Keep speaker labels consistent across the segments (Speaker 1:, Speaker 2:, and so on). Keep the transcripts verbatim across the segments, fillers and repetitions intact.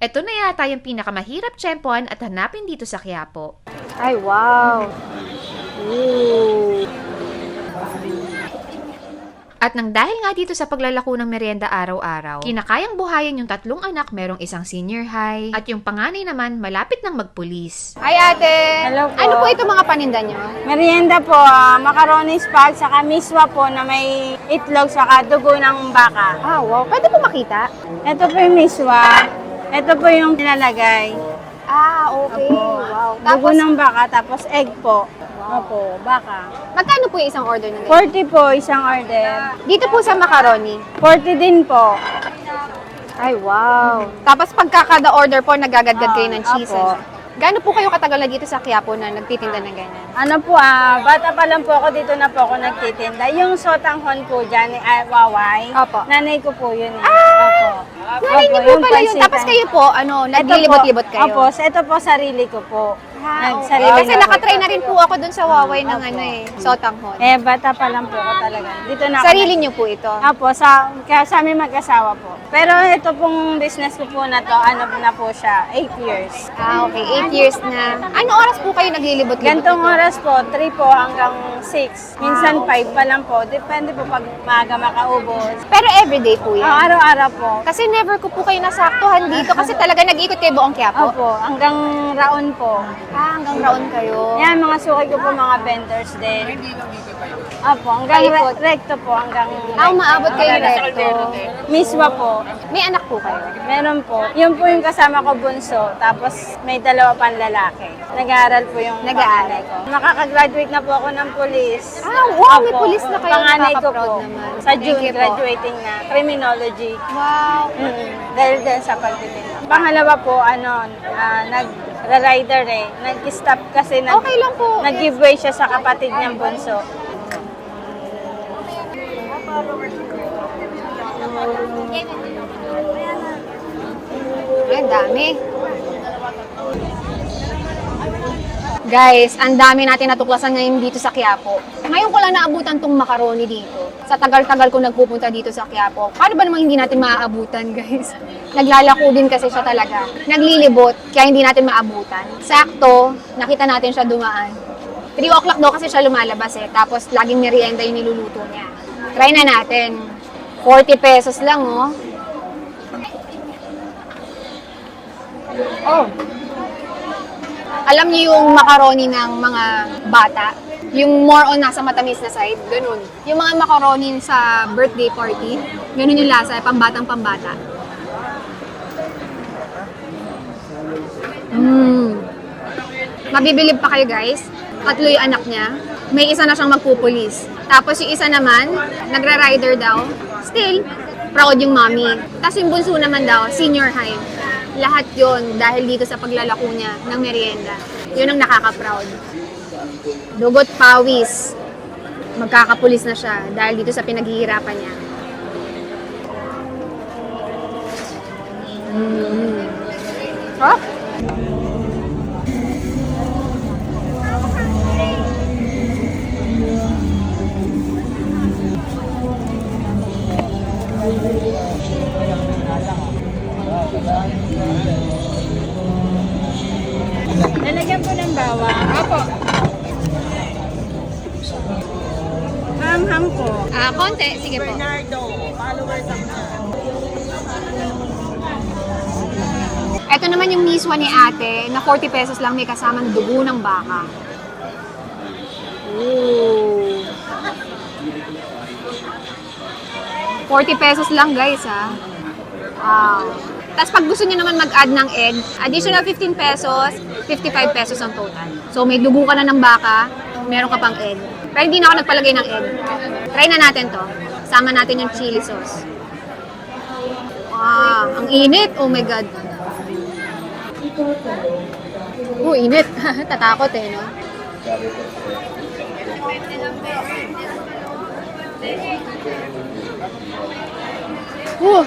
Speaker 1: Ito na yata yung pinakamahirap tsempuhan at hanapin dito sa Quiapo.
Speaker 2: Ay, wow! Ooh.
Speaker 1: At nang dahil nga dito sa paglalako ng merienda araw-araw, kinakayang buhayin yung tatlong anak, merong isang senior high, at yung panganay naman malapit ng magpulis.
Speaker 2: Hi, ate!
Speaker 3: Hello po.
Speaker 2: Ano po ito mga paninda nyo?
Speaker 3: Merienda po, ah, macaroni spag, saka miswa po na may itlog, saka dugo ng baka.
Speaker 2: Ah, wow. Pwede po makita?
Speaker 3: Ito po yung miswa. Ito po yung nilalagay.
Speaker 2: Ah, okay.
Speaker 3: Opo.
Speaker 2: Wow.
Speaker 3: Dugo
Speaker 2: Tapos,
Speaker 3: ng baka, tapos egg po. Opo, baka.
Speaker 2: magkano po yung isang order ng ganyan?
Speaker 3: forty po isang order.
Speaker 2: Dito po sa macaroni.
Speaker 3: forty din po.
Speaker 2: Ay, wow. Tapos pagkakada order po, nagagadgad kayo ng
Speaker 3: Ah,
Speaker 2: cheese.
Speaker 3: apo.
Speaker 2: ano? Gaano po kayo katagal na dito sa Quiapo na nagtitinda ng ganyan?
Speaker 3: Ano po ah, bata pa lang po ako dito na po ako nagtitinda. Yung sotanghon po dyan, ay waway.
Speaker 2: Opo.
Speaker 3: Nanay ko po yun eh. Opo.
Speaker 2: Nanay niyo
Speaker 3: Opo,
Speaker 2: po
Speaker 3: yung
Speaker 2: pala yun.
Speaker 3: pansitan.
Speaker 2: Tapos kayo po, ano,
Speaker 3: Ito po-
Speaker 2: naglilibot-libot kayo?
Speaker 3: Opo, sa ito po sarili ko po.
Speaker 2: Ah, okay.
Speaker 3: Nagsarili
Speaker 2: Kasi
Speaker 3: na po
Speaker 2: nakatry na
Speaker 3: po.
Speaker 2: rin po ako dun sa Huawei ng
Speaker 3: Opo.
Speaker 2: ano eh, sotanghon.
Speaker 3: Eh, bata pa lang po ako talaga. Dito na ako.
Speaker 2: Sarili niyo po ito?
Speaker 3: Apo, sa, kaya sa amin mag-asawa po. Pero ito pong business ko po na to, ano na po siya, eight years.
Speaker 2: Ah, okay. Eight years na. Ano oras po kayo naglilibot-libot?
Speaker 3: Gantong
Speaker 2: dito?
Speaker 3: oras po, three po hanggang six. Minsan
Speaker 2: Ah,
Speaker 3: five pa lang po. Depende po pag maaga makaubos.
Speaker 2: Pero everyday po yan?
Speaker 3: Ah, araw-araw po.
Speaker 2: Kasi never ko po kayo nasaktuhan dito kasi talaga nag-ikot kayo buong Quiapo.
Speaker 3: Opo, hanggang raon po.
Speaker 2: Ah, hanggang raon kayo.
Speaker 3: Yan, mga suki ko po, mga vendors din. Opo, hanggang
Speaker 2: Paikot.
Speaker 3: re- recto po, hanggang
Speaker 2: Ah, umaabot kayo recto.
Speaker 3: Miswa po.
Speaker 2: May anak po kayo?
Speaker 3: Meron po. Yun po yung kasama ko bunso. Tapos may dalawa pang lalaki. Nag-aaral po yung
Speaker 2: Nag-aaral.
Speaker 3: panganay ko. Makakagraduate na po ako ng police.
Speaker 2: Ah, wow! May
Speaker 3: Opo.
Speaker 2: pulis na kayo.
Speaker 3: Panganay ko
Speaker 2: Nakaka-proud
Speaker 3: po.
Speaker 2: naman.
Speaker 3: Sa
Speaker 2: Thank
Speaker 3: June,
Speaker 2: you po.
Speaker 3: graduating na. Criminology.
Speaker 2: Wow!
Speaker 3: Mm, dahil din sa pagtitinda. Pangalawa po, ano, ah, nag-rider eh. Nag-stop kasi nag,
Speaker 2: Okay lang po.
Speaker 3: nag-giveaway siya sa kapatid niyang bunso.
Speaker 2: Ay, ang dami. Guys, ang dami natin natuklasan ngayon dito sa Quiapo. Ngayon ko lang naabutan tong macaroni dito. Sa tagal-tagal ko nagpupunta dito sa Quiapo. Paano ba namang hindi natin maaabutan, guys? Naglalako din kasi siya talaga. Naglilibot, kaya hindi natin maabutan. Sakto, nakita natin siya dumaan. three o'clock daw kasi siya lumalabas eh. Tapos laging merienda yung niluluto niya. Try na natin. forty pesos lang, oh. Oh. Alam niyo yung macaroni ng mga bata? Yung more on nasa matamis na side, ganun. Yung mga macaroni sa birthday party, ganun yung lasa, pambatang pambata. Mmm. Mabibilib pa kayo guys. Tatlo yung anak niya. May isa na siyang magpupulis. Tapos yung isa naman, nagra-rider daw. Still, proud yung mommy. Tapos yung bunso naman daw, senior high. Lahat yon dahil dito sa paglalako niya ng merienda. Yun ang nakaka-proud. Dugot pawis. Magkakapulis na siya dahil dito sa pinaghihirapan niya. Mm. Oh?
Speaker 3: Lalagyan po ng bawang.
Speaker 2: Opo.
Speaker 3: Ham-ham po.
Speaker 2: Ah, konti. Sige po. Ito naman yung miswa ni ate na forty pesos lang may kasamang dugo ng baka. Ooh. forty pesos lang guys ha. Wow. Tapos pag gusto niyo naman mag-add ng egg, additional fifteen pesos, fifty-five pesos ang total. So may dugo ka na ng baka, meron ka pang egg. Pero hindi na ako nagpalagay ng egg. Try na natin to. Sama natin yung chili sauce. Wow, ang init. Oh my God. Oh, init. Tatakot eh, no? Oh.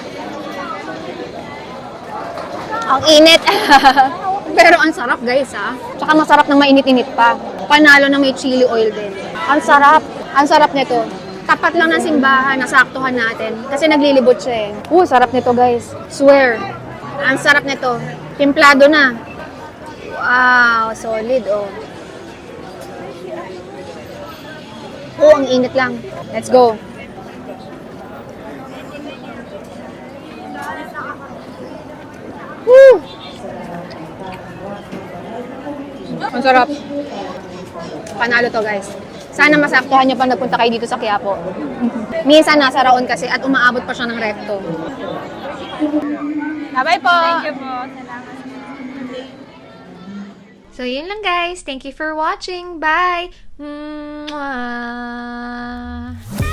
Speaker 2: Ang init. Pero ang sarap guys ha. Tsaka masarap ng mainit-init pa. Panalo na may chili oil din. Ang sarap. Ang sarap nito. Tapat lang ng simbahan, nasaktuhan natin. Kasi naglilibot siya eh. Uh, sarap nito guys. Swear. Ang sarap nito. Timplado na. Wow, solid oh. Oh, ang init lang. Let's go. Woo! Ang sarap. Panalo to, guys. Sana masaktuhan nyo pa nagpunta kayo dito sa Quiapo. Minsan nasa Raon kasi at umaabot pa siya ng recto. Bye-bye po!
Speaker 3: Thank you po. Salamat.
Speaker 1: So, yun lang guys. Thank you for watching. Bye! Mwah!